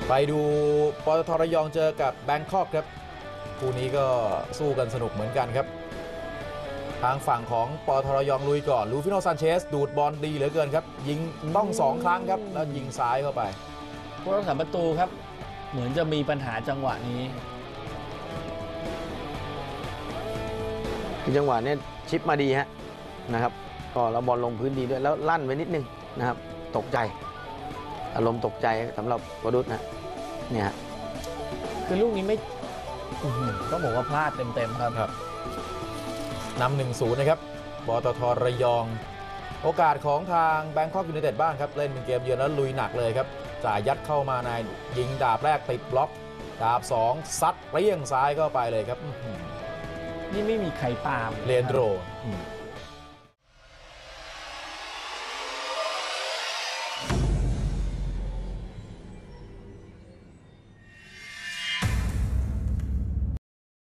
ไปดูปตท.ระยองเจอกับแบงคอกครับคู่นี้ก็สู้กันสนุกเหมือนกันครับทางฝั่งของปตท.ระยองลุยก่อนลูฟิโน ซานเชสดูดบอลดีเหลือเกินครับยิงต้อง2 ครั้งครับแล้วยิงซ้ายเข้าไปผู้รักษาประตูครับเหมือนจะมีปัญหาจังหวะนี้จังหวะนี้ชิปมาดีฮะนะครับก็แล้วบอลลงพื้นดีด้วยแล้วลั่นไปนิดนึงนะครับตกใจอารมณ์ตกใจสำหรับวรุษนะเนี่ยคือลูกนี้ไม่ต้องบอกว่าพลาดเต็มๆครับนำ 1-0 นะครับปตท.ระยองโอกาสของทางแบงคอกยูไนเต็ดบ้างครับเล่นเป็นเกมเยือนแล้วลุยหนักเลยครับจ่ายยัดเข้ามาในยิงดาบแรกติดบล็อกดาบ2ซัดเปรี้ยงซ้ายเข้าไปเลยครับนี่ไม่มีใครตามเลนโดร